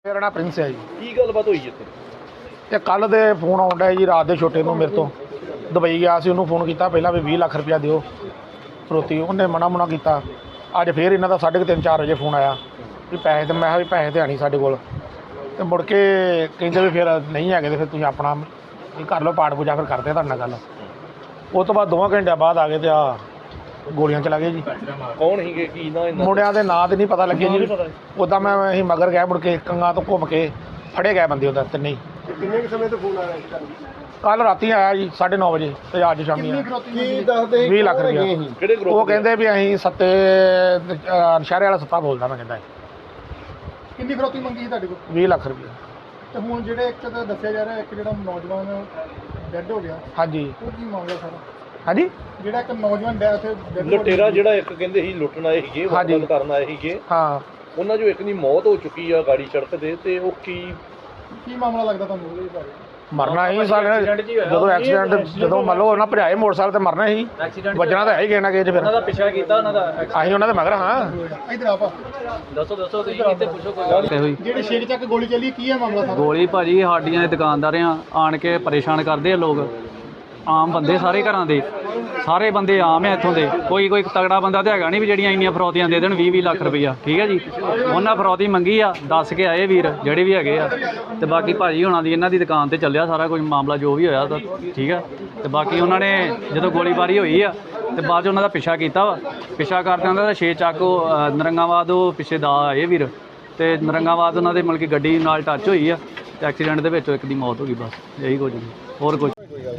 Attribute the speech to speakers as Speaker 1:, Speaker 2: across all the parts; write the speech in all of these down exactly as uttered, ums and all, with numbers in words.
Speaker 1: ਮੇਰਾ ਨਾਮ ਪ੍ਰਿੰਸ ਹੈ ਜੀ।
Speaker 2: ਕੀ ਗੱਲਬਾਤ ਹੋਈ ਇੱਥੇ?
Speaker 1: ਇਹ ਕੱਲ੍ਹ ਦੇ ਫੋਨ ਆਉਂਦਾ ਜੀ ਰਾਤ ਦੇ ਛੋਟੇ ਨੂੰ ਮੇਰੇ ਤੋਂ ਦੁਬਈ ਗਿਆ ਸੀ, ਉਹਨੂੰ ਫੋਨ ਕੀਤਾ ਪਹਿਲਾਂ ਵੀ ਵੀਹ ਲੱਖ ਰੁਪਇਆ ਦਿਓ ਫਰੋਤੀ, ਉਹਨੇ ਮਨਾ ਮੁਨਾ ਕੀਤਾ। ਅੱਜ ਫੇਰ ਇਹਨਾਂ ਦਾ ਸਾਢੇ ਕੁ ਤਿੰਨ ਚਾਰ ਵਜੇ ਫੋਨ ਆਇਆ ਵੀ ਪੈਸੇ ਤੇ ਮੈਂ ਕਿਹਾ ਵੀ ਪੈਸੇ ਤੇ ਆਣੀ ਸਾਡੇ ਕੋਲ, ਤੇ ਮੁੜ ਕੇ ਕਹਿੰਦੇ ਵੀ ਫਿਰ ਨਹੀਂ ਹੈਗੇ ਤੇ ਫਿਰ ਤੁਸੀਂ ਆਪਣਾ ਵੀ ਕਰ ਲਓ ਪਾਠ ਪੂਜਾ, ਫਿਰ ਕਰਦੇ ਤੁਹਾਡੇ ਨਾਲ ਗੱਲ। ਉਸ ਤੋਂ ਬਾਅਦ ਦੋਵਾਂ ਘੰਟਿਆਂ ਬਾਅਦ ਆ ਗਏ ਤੇ ਆ ਗੋਲੀਆਂ ਚਲਾ ਗਏ ਜੀ।
Speaker 2: ਕੌਣ ਸੀਗੇ, ਕੀ ਨਾ ਇਹਨਾਂ
Speaker 1: ਮੁੰਡਿਆਂ ਦੇ ਨਾਂ ਤੇ ਨਹੀਂ ਪਤਾ ਲੱਗੇ ਜੀ। ਉੱਦਾਂ ਮੈਂ ਅਸੀਂ ਮਗਰ ਗਏ, ਮੁੜ ਕੇ ਕੰਗਾ ਤੋਂ ਘੁੰਮ ਕੇ ਫੜੇ ਗਏ ਬੰਦੇ ਉਹਦਾ ਤਿੰਨੇ ਹੀ।
Speaker 3: ਕਿੰਨੇ ਕੁ ਸਮੇਂ ਤੋਂ ਫੋਨ ਆ ਰਿਹਾ?
Speaker 1: ਕੱਲ੍ਹ ਰਾਤੀ ਆਇਆ ਜੀ ਸਾਢੇ ਨੌ ਵਜੇ ਤੇ ਅੱਜ ਸ਼ਾਮੀ ਆਇਆ।
Speaker 3: ਕੀ ਦੱਸਦੇ
Speaker 1: ਵੀਹ ਲੱਖ ਰੁਪਇਆ।
Speaker 2: ਕਿਹੜੇ ਗਰੁੱਪ?
Speaker 1: ਉਹ ਕਹਿੰਦੇ ਵੀ ਅਸੀਂ ਸੱਤੇ ਨਸ਼ਹਿਰੇ ਵਾਲਾ ਸੱਤਾ ਬੋਲਦਾ ਮੈਂ ਕਹਿੰਦਾ
Speaker 3: ਕਿੰਨੀ ਫਰੋਤੀ ਮੰਗੀ ਸੀ ਤੁਹਾਡੇ ਕੋਲ?
Speaker 1: ਵੀਹ ਲੱਖ ਰੁਪਇਆ।
Speaker 3: ਤੇ ਹੁਣ ਜਿਹੜੇ ਇੱਕ ਤਾਂ ਦੱਸਿਆ ਜਾ ਰਿਹਾ ਇੱਕ ਜਿਹੜਾ ਨੌਜਵਾਨ ਡੈੱਡ ਹੋ ਗਿਆ,
Speaker 1: ਹਾਂਜੀ
Speaker 3: ਉਹ ਕੀ ਮਾਮਲਾ ਸਾਰਾ?
Speaker 1: ਹਾਂਜੀ
Speaker 3: ਜਿਹੜਾ ਇੱਕ ਨੌਜਵਾਨ ਡੈ ਉੱਥੇ dead body
Speaker 2: ਲੁਟੇਰਾ ਜਿਹੜਾ ਇੱਕ ਕਹਿੰਦੇ ਸੀ ਲੁੱਟਣ ਆਏ ਸੀਗੇ,
Speaker 1: ਹਾਂਜੀ।
Speaker 2: ਵਾਰਦਾਤ ਕਰਨ ਆਏ ਸੀਗੇ,
Speaker 1: ਹਾਂ।
Speaker 2: ਉਹਨਾਂ ਚੋਂ ਇੱਕ ਦੀ ਮੌਤ ਹੋ ਚੁੱਕੀ ਆ ਗਾੜੀ ਸੜਕ ਤੇ, ਤੇ ਉਹ ਕੀ
Speaker 3: ਕੀ ਮਾਮਲਾ ਲੱਗਦਾ ਤੁਹਾਨੂੰ ਉਹਦੇ ਬਾਰੇ?
Speaker 1: ਮਰਨਾ ਹੀ ਸਾਡੇ ਜਦੋਂ ਐਕਸੀਡੈਂਟ ਜਦੋਂ ਮੰਨ ਲਓ ਉਹਨਾਂ ਭਜਾਏ ਮੋਟਰਸਾਈਕਲ ਤੇ ਮਰਨਾ ਹੀ, ਵੱਜਣਾ ਤਾਂ ਹੈ ਹੀ ਕਿਸੇ ਨਾ ਕਿਸੇ 'ਚ। ਫਿਰ
Speaker 4: ਉਹਨਾਂ ਦਾ ਪਿੱਛਾ ਕੀਤਾ, ਉਹਨਾਂ ਦਾ
Speaker 1: ਅਸੀਂ ਉਹਨਾਂ ਦੇ ਮਗਰ ਹਾਂ।
Speaker 3: ਇਧਰ ਆਪਾ
Speaker 4: ਦੱਸੋ ਦੱਸੋ ਤੁਸੀਂ ਕਿਤੇ ਪੁੱਛੋ ਕੋਈ ਗੱਲ ਹੋਈ।
Speaker 3: ਜਿਹੜੇ ਛੇਕ ਚੱਕ ਗੋਲੀ ਚੱਲੀ, ਕੀ ਹੈ ਮਾਮਲਾ ਸਾਰਾ?
Speaker 4: ਗੋਲੀ ਭਾਜੀ ਸਾਡੀਆਂ ਦੁਕਾਨਦਾਰਾਂ ਆਣ ਕੇ ਪਰੇਸ਼ਾਨ ਕਰਦੇ ਆ ਲੋਕ, ਆਮ ਬੰਦੇ ਸਾਰੇ ਘਰਾਂ ਦੇ ਸਾਰੇ ਬੰਦੇ ਆਮ ਹੈ ਇੱਥੋਂ ਦੇ। ਕੋਈ ਕੋਈ ਤਗੜਾ ਬੰਦਾ ਤਾਂ ਹੈਗਾ ਨਹੀਂ ਵੀ ਜਿਹੜੀਆਂ ਇੰਨੀਆਂ ਫਰੌਤੀਆਂ ਦੇ ਦੇਣ ਵੀਹ ਵੀਹ ਲੱਖ ਰੁਪਈਆ। ਠੀਕ ਹੈ ਜੀ, ਉਹਨਾਂ ਫਰੌਤੀ ਮੰਗੀ ਆ, ਦੱਸ ਕੇ ਆਏ ਵੀਰ ਜਿਹੜੇ ਵੀ ਹੈਗੇ ਆ। ਤੇ ਬਾਕੀ ਭਾਜੀ ਹੋਣਾ ਦੀ ਇਹਨਾਂ ਦੀ ਦੁਕਾਨ ਤੇ ਚੱਲਿਆ ਸਾਰਾ ਕੁਝ ਮਾਮਲਾ ਜੋ ਵੀ ਹੋਇਆ ਤਾਂ ਠੀਕ ਆ। ਤੇ ਬਾਕੀ ਉਹਨਾਂ ਨੇ ਜਦੋਂ ਗੋਲੀਬਾਰੀ ਹੋਈ ਆ ਤੇ ਬਾਅਦ 'ਚ ਉਹਨਾਂ ਦਾ ਪਿੱਛਾ ਕੀਤਾ ਵਾ। ਪਿੱਛਾ ਕਰਦੇ ਉਹਨਾਂ ਦਾ ਛੇ ਚੱਕ ਉਹ ਨਰੰਗਾਬਾਦ ਉਹ ਪਿੱਛੇ ਦਾ ਆਏ ਵੀਰ, ਤੇ ਨਰੰਗਾਬਾਦ ਉਹਨਾਂ ਦੇ ਮਤਲਬ ਕਿ ਗੱਡੀ ਨਾਲ ਟੱਚ ਹੋਈ ਆ ਤੇ ਐਕਸੀਡੈਂਟ ਦੇ ਵਿੱਚ ਇੱਕ ਦੀ ਮੌਤ ਹੋ ਗਈ। ਬਸ ਇਹੀ ਕੁਝ, ਹੋਰ ਕੁਝ।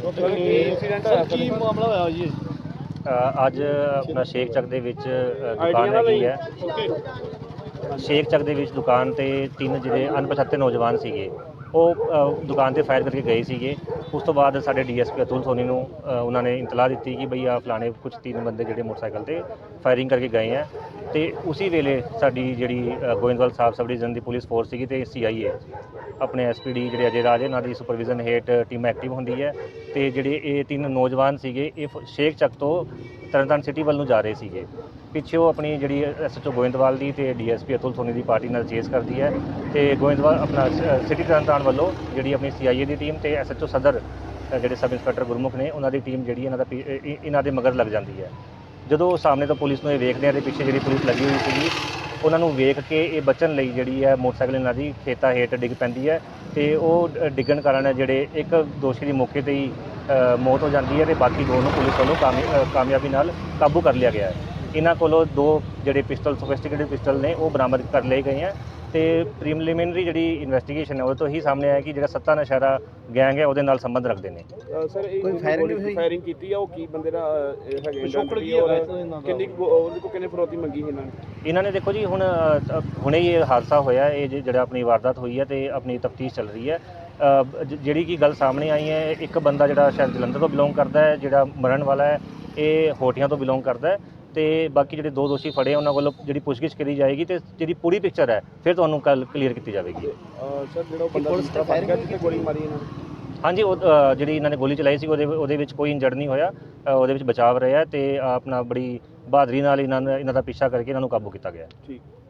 Speaker 2: ਕੀ ਮਾਮਲਾ ਹੋਇਆ ਜੀ?
Speaker 5: ਅੱਜ ਆਪਣਾ ਸ਼ੇਖ ਚੱਕ ਦੇ ਵਿੱਚ ਦੁਕਾਨ ਹੈਗੀ ਹੈ। ਸ਼ੇਖ ਚੱਕ ਦੇ ਵਿੱਚ ਦੁਕਾਨ ਤੇ ਤਿੰਨ ਜਿਹੜੇ ਅਣਪਛਾਤੇ ਨੌਜਵਾਨ ਸੀਗੇ ਉਹ ਦੁਕਾਨ ਤੇ ਫਾਇਰ ਕਰਕੇ ਗਏ ਸੀਗੇ। ਉਸ ਤੋਂ ਬਾਅਦ ਸਾਡੇ ਡੀਐਸਪੀ ਅਤੁਲ ਸੋਨੀ ਨੂੰ ਉਹਨਾਂ ਨੇ ਇਤਲਾਹ ਦਿੱਤੀ ਕਿ ਬਈ ਆ ਫਲਾਣੇ ਕੁਝ ਤਿੰਨ ਬੰਦੇ ਜਿਹੜੇ ਮੋਟਰਸਾਈਕਲ ਤੇ ਫਾਇਰਿੰਗ ਕਰਕੇ ਗਏ ਆ। ਤੇ ਉਸੇ ਵੇਲੇ ਸਾਡੀ ਜਿਹੜੀ ਗੋਇੰਦਵਾਲ ਸਾਹਿਬ ਸਬ ਡਿਵੀਜ਼ਨ ਦੀ ਪੁਲਿਸ ਫੋਰਸ ਸੀਗੀ ਤੇ ਸੀਆਈਏ ਆਪਣੇ ਐਸਪੀਡੀ ਜਿਹੜੇ ਅਜੇ ਰਾਜ ਇਹਨਾਂ ਦੀ ਸੁਪਰਵਿਜ਼ਨ ਹੇਠ ਟੀਮ ਐਕਟਿਵ ਹੁੰਦੀ ਹੈ। ਤੇ ਜਿਹੜੇ ਇਹ ਤਿੰਨ ਨੌਜਵਾਨ ਸੀਗੇ ਇਹ ਸ਼ੇਖ ਚੱਕ ਤੋਂ ਤਰਨਤਾਰਨ ਸਿਟੀ ਵੱਲ ਨੂੰ ਜਾ ਰਹੇ ਸੀਗੇ। ਪਿੱਛੇ ਉਹ ਆਪਣੀ ਜਿਹੜੀ ਐਸਐਚਓ ਗੋਇੰਦਵਾਲ ਦੀ ਤੇ ਡੀਐਸਪੀ ਅਤੁਲ ਸੋਨੀ ਦੀ ਪਾਰਟੀ ਨਾਲ ਚੇਸ ਕਰਦੀ ਹੈ। ਤੇ ਗੋਇੰਦਵਾਲ ਆਪਣਾ ਸਿਟੀ ਤਰਨਤਾਰਨ ਵੱਲੋਂ ਜਿਹੜੀ ਆਪਣੀ ਸੀਆਈਏ ਦੀ ਟੀਮ ਤੇ ਐਸਐਚਓ ਸਦਰ ਜਿਹੜੇ ਸਬ ਇੰਸਪੈਕਟਰ ਗੁਰਮੁਖ ਨੇ ਉਹਨਾਂ ਦੀ ਟੀਮ ਜਿਹੜੀ ਇਹਨਾਂ ਦਾ ਇਹਨਾਂ ਦੇ ਮਗਰ ਲੱਗ ਜਾਂਦੀ ਹੈ। ਜਦੋਂ ਸਾਹਮਣੇ ਤੋਂ ਪੁਲਿਸ ਨੂੰ ਇਹ ਵੇਖਦੇ ਆ ਤੇ ਪਿੱਛੇ ਜਿਹੜੀ ਪੁਲਿਸ ਲੱਗੀ ਹੋਈ ਸੀਗੀ ਉਹਨਾਂ ਨੂੰ ਵੇਖ ਕੇ ਇਹ ਬਚਣ ਲਈ ਜਿਹੜੀ ਹੈ ਮੋਟਰਸਾਈਕਲ ਇਹਨਾਂ ਦੀ ਖੇਤਾਂ ਹੇਠ ਡਿੱਗ ਪੈਂਦੀ ਹੈ। ਤੇ ਉਹ ਡਿੱਗਣ ਕਾਰਨ ਜਿਹੜੇ ਇੱਕ ਦੋਸ਼ੀ ਦੀ ਮੌਕੇ 'ਤੇ ਹੀ ਮੌਤ ਹੋ ਜਾਂਦੀ ਹੈ ਤੇ ਬਾਕੀ ਦੋ ਨੂੰ ਪੁਲਿਸ ਵੱਲੋਂ ਕਾਮਯਾਬੀ ਨਾਲ ਕਾਬੂ ਕਰ ਲਿਆ ਗਿਆ ਹੈ। ਇਹਨਾਂ ਕੋਲੋਂ ਦੋ ਜਿਹੜੇ ਪਿਸਟਲ ਸੋਫਿਸਟੀਕੇਟਡ ਪਿਸਟਲ ਨੇ ਉਹ ਬਰਾਮਦ ਕਰ ਲਏ ਗਏ ਹੈ। ਤੇ ਪ੍ਰੀਲਿਮਿਨਰੀ ਜਿਹੜੀ ਇਨਵੈਸਟੀਗੇਸ਼ਨ ਹੈ ਉਹ ਤੋਂ ਹੀ ਸਾਹਮਣੇ ਆਇਆ ਕਿ ਜਿਹੜਾ ਸੱਤਾ ਨਸ਼ਹਿਰਾ ਗੈਂਗ ਹੈ ਉਹਦੇ ਨਾਲ ਸੰਬੰਧ ਰੱਖਦੇ ਨੇ।
Speaker 6: ਸਰ ਇਹ ਫਾਇਰਿੰਗ ਫਾਇਰਿੰਗ ਕੀਤੀ ਆ, ਉਹ ਕੀ ਬੰਦੇ ਦਾ ਹੈਗੇ ਕਿੰਨੀ ਉਹਦੇ ਕੋਲ ਕਿੰਨੇ ਫਰੋਤੀ ਮੰਗੀ ਸੀ ਇਹਨਾਂ ਨੇ?
Speaker 5: ਇਹਨਾਂ ਨੇ ਦੇਖੋ ਜੀ ਹੁਣ ਹੁਣੇ ਹੀ ਇਹ ਹਾਦਸਾ ਹੋਇਆ, ਇਹ ਜਿਹੜਾ ਆਪਣੀ ਵਾਰਦਾਤ ਹੋਈ ਹੈ ਤੇ ਆਪਣੀ ਤਫਤੀਸ਼ ਚੱਲ ਰਹੀ ਹੈ। ਜਿਹੜੀ ਕੀ ਗੱਲ ਸਾਹਮਣੇ ਆਈ ਹੈ, ਇੱਕ ਬੰਦਾ ਜਿਹੜਾ ਸ਼ਾਇਦ ਜਲੰਧਰ ਤੋਂ ਬਿਲੋਂਗ ਕਰਦਾ ਹੈ, ਜਿਹੜਾ ਮਰਨ ਵਾਲਾ ਹੈ ਇਹ ਹੋਟੀਆਂ ਤੋਂ ਬਿਲੋਂਗ ਕਰਦਾ ਹੈ। ਤੇ ਬਾਕੀ ਜਿਹੜੇ ਦੋ ਦੋਸ਼ੀ ਫੜੇ ਉਹਨਾਂ ਵੱਲੋਂ ਜਿਹੜੀ ਪੁੱਛਗਿੱਛ ਕਰੀ ਜਾਏਗੀ ਤੇ ਜਿਹੜੀ ਪੂਰੀ ਪਿਕਚਰ ਹੈ ਫਿਰ ਤੁਹਾਨੂੰ ਕੱਲ ਕਲੀਅਰ ਕੀਤੀ ਜਾਵੇਗੀ।
Speaker 6: ਸਰ ਜਿਹੜਾ ਬੰਦਾ ਦੂਸਰਾ ਫੜ ਗਿਆ ਜਿੱਥੇ ਗੋਲੀ ਮਾਰੀ ਇਹਨਾਂ ਨੇ?
Speaker 5: ਹਾਂਜੀ, ਉਹ ਜਿਹੜੀ ਇਹਨਾਂ ਨੇ ਗੋਲੀ ਚਲਾਈ ਸੀ ਉਹਦੇ ਉਹਦੇ ਵਿੱਚ ਕੋਈ ਇੰਜਰਡ ਨਹੀਂ ਹੋਇਆ, ਉਹਦੇ ਵਿੱਚ ਬਚਾਵ ਰਿਹਾ ਤੇ ਆਪਣਾ ਬੜੀ ਬਹਾਦਰੀ ਨਾਲ ਇਹਨਾਂ ਨੇ ਇਹਨਾਂ ਦਾ ਪਿੱਛਾ ਕਰਕੇ ਇਹਨਾਂ ਨੂੰ ਕਾਬੂ ਕੀਤਾ ਗਿਆ।
Speaker 6: ਠੀਕ।